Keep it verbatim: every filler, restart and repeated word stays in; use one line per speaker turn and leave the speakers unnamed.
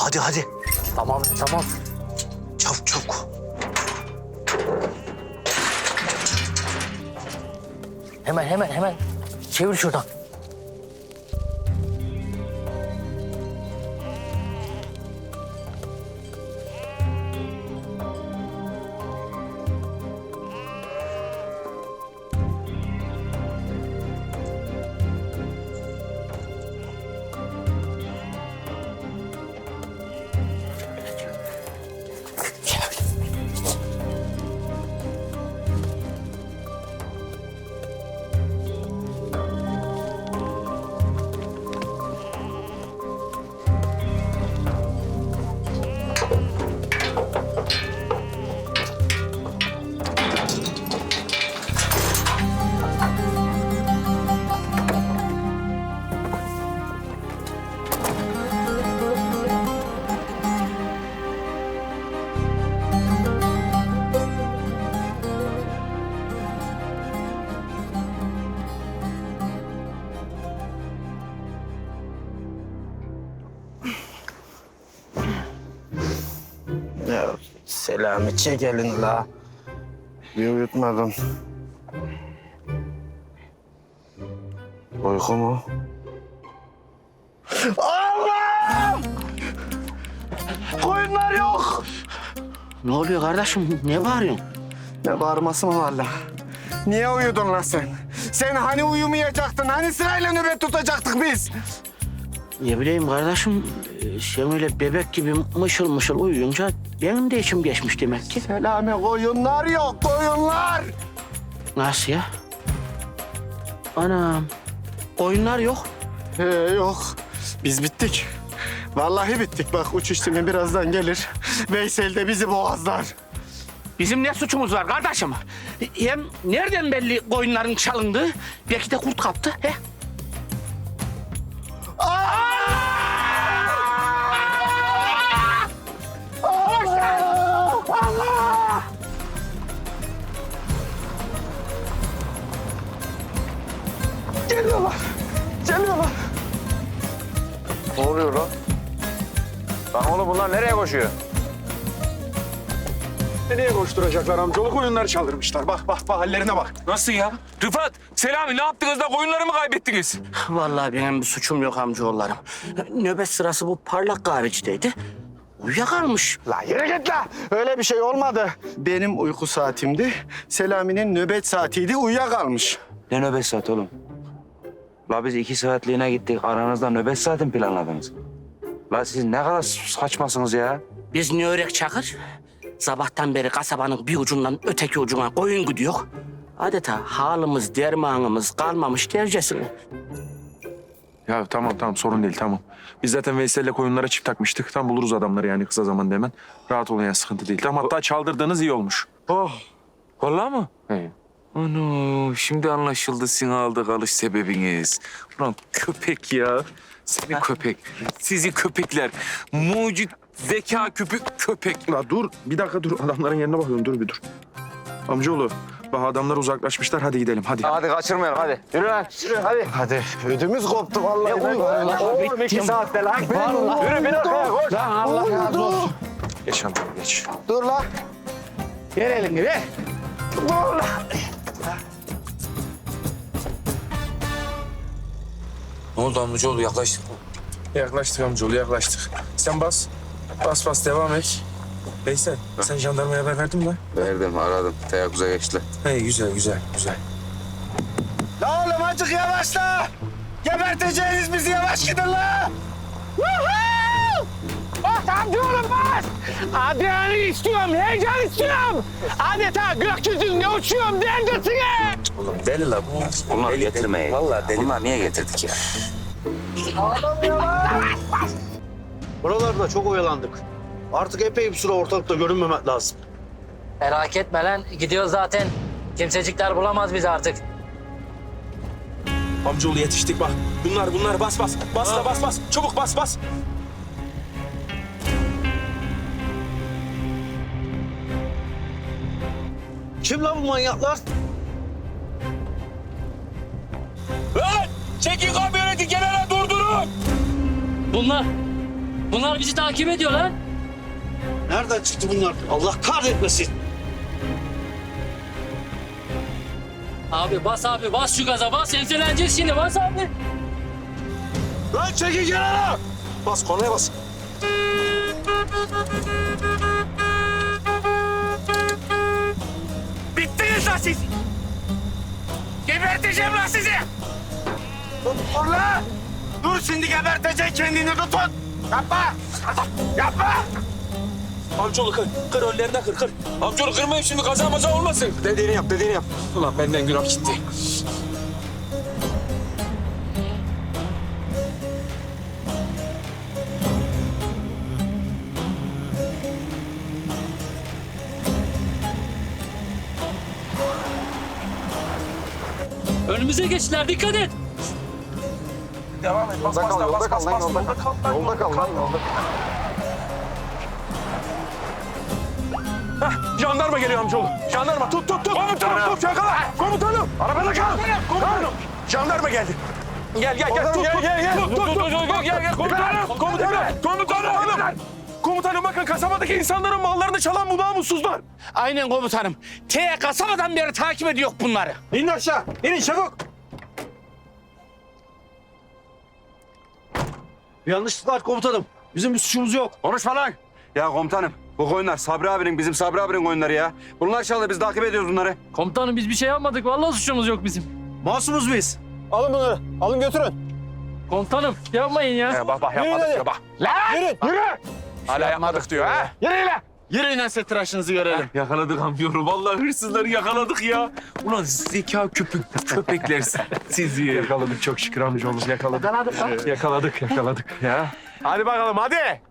hadi hadi.
Tamam tamam.
Çabuk çabuk.
Hemen hemen hemen. Çevir şuradan.
Ya Selami çekelin la. Bir uyutmadın. Uyku mu? Allah! Koyunlar yok.
Ne oluyor kardeşim? Ne bağırıyorsun?
Ne bağırması mı var la? Niye uyudun lan sen? Sen hani uyumayacaktın? Hani sırayla nöbet tutacaktık biz?
Ne bileyim kardeşim, e, sen öyle bebek gibi mışıl mışıl uyuyunca benim de içim geçmiş demek ki.
Selami koyunlar yok, koyunlar.
Nasıl ya? Anam, oyunlar yok.
He yok. Biz bittik. Vallahi bittik. Bak uçuş timi birazdan gelir. Veysel de bizi boğazlar.
Bizim ne suçumuz var kardeşim? Hem nereden belli koyunların çalındığı? Belki de kurt kaptı. He?
Geliyorlar. Geliyorlar.
Ne oluyor lan? Lan oğlum bunlar nereye koşuyor?
Nereye koşturacaklar amcaoğlu? Koyunları çaldırmışlar. Bak bak bak hallerine bak.
Nasıl ya? Rıfat, Selami ne yaptınız da koyunları mı kaybettiniz?
Vallahi benim bir suçum yok amcaoğullarım. Nöbet sırası bu parlak kahvecideydi. Uyuyakalmış.
La yürü git la. Öyle bir şey olmadı. Benim uyku saatimdi. Selami'nin nöbet saatiydi. Uyuyakalmış.
Ne nöbet saati oğlum? La biz iki saatliğine gittik. Aranızda nöbet saati mi planladınız? La siz ne kadar saçmasınız ya.
Biz ne örek Çakır? Sabahtan beri kasabanın bir ucundan öteki ucuna koyun gidiyor. Adeta halımız, dermanımız kalmamış dercesine.
Ya tamam tamam sorun değil tamam. Biz zaten Veysel'le koyunlara çift takmıştık. Tam buluruz adamları yani kısa zamanda hemen. Rahat olun ya sıkıntı değil. Tamam hatta çaldırdığınız iyi olmuş.
Oh. Vallahi mı?
He.
Ana şimdi anlaşıldı sizin aldı kalış sebebiniz. Ulan köpek ya. Seni köpek. Sizi köpekler. Mucit zeka küpü köpek.
La dur bir dakika dur adamların yerine bakıyorum dur bir dur. Amcaoğlu bak adamlar uzaklaşmışlar hadi gidelim hadi.
Hadi kaçırmayalım hadi. Yürü lan. Yürü hadi.
Hadi. Ödümüz koptu vallahi.
Ne uyuyor lan?
Oğlum iki saatte lan. Vallahi.
Yürü bir dakika koş.
Lan Allah razı olsun.
Geç amcaoğlu geç.
Dur la.
Ver elini ver.
Dur la.
Ne oldu amcaoğlu yaklaştık mı?
Yaklaştık amcaoğlu yaklaştık. Sen bas. Bas bas devam et. Veysel sen jandarmaya haber verdin mi?
Verdim, aradım. Teyakkuza geçtiler.
He güzel güzel güzel.
La oğlum azıcık yavaşla. Geberteceğiniz bizi yavaş gidin la.
Bas amcaoğlum bas. Adrenalin istiyorum, heyecan istiyorum. Adeta gökyüzünde uçuyorum derdesine.
Oğlum deli la bu.
Bunlar getirmeyin. Vallahi deli. Bunlar niye getirdik ya?
Buralarda çok oyalandık. Artık epey bir süre ortalıkta görünmemek lazım.
Merak etme lan. Gidiyor zaten. Kimsecikler bulamaz bizi artık.
Amcaoğlu yetiştik bak. Bunlar bunlar bas bas. Bas da bas bas. Çabuk bas bas.
Kim lan bu manyaklar?
Lan! Çekin kamyoneti kenara durdurun!
Bunlar. Bunlar bizi takip ediyor lan.
Nereden çıktı bunlar? Allah kahretmesin.
Abi bas abi bas şu gaza bas. Enseleneceğiz şimdi bas abi.
Lan çekin kenara. Bas kornaya bas.
Bittiniz lan siz. Geberteceğim lan sizi.
Dur lan! Dur şimdi geberteceksin kendini tutun! Yapma! Yapma!
Amcaoğlu kır. Kır önlerine kır kır. Amcaoğlu kırmayın şimdi kaza maza olmasın.
Dediğini yap, dediğini yap.
Ulan benden günah gitti.
Önümüze geçtiler dikkat et.
Devam et. Bas
Yolda
bas
kal,
bas
yolda
bas
kal lan,
bas.
yolda kal. Yolda kal lan, yolda
Jandarma geliyor amcaoğlu. Jandarma tut tut tut. Komutanım tut yakala. Komutanım. Arabada kal. Komutanım. Jandarma geldi. Gel gel gel. Tut tut. Gel gel. Tut tut tut. Gel gel gel. Komutanım. Komutanım. Komutanım. Komutanım bakın kasabadaki insanların mallarını çalan bu namussuzlar.
Aynen komutanım. T kasabadan beri takip ediyor bunları.
İnin aşağı. İnin çabuk. Bir yanlışlık var komutanım. Bizim bir suçumuz yok.
Konuşma lan. Ya komutanım bu koyunlar Sabri abinin bizim Sabri abinin koyunları ya. Bunlar çaldı biz takip ediyoruz bunları.
Komutanım biz bir şey yapmadık. Vallahi suçumuz yok bizim.
Masumuz biz.
Alın bunları, alın götürün.
Komutanım yapmayın ya.
Ya bak bak yapmadık diyor bak.
Yürü, yürü!
Hala yapmadık diyor ha.
Yürüyün ense tıraşınızı görelim.
Yakaladık amcaoğlu. Vallahi hırsızları yakaladık ya. Ulan zeka köpek köpekler sizi.
Yakaladık çok şükür amcaoğlu yakaladık. Yakaladık. Yakaladık yakaladık ya. Hadi bakalım hadi.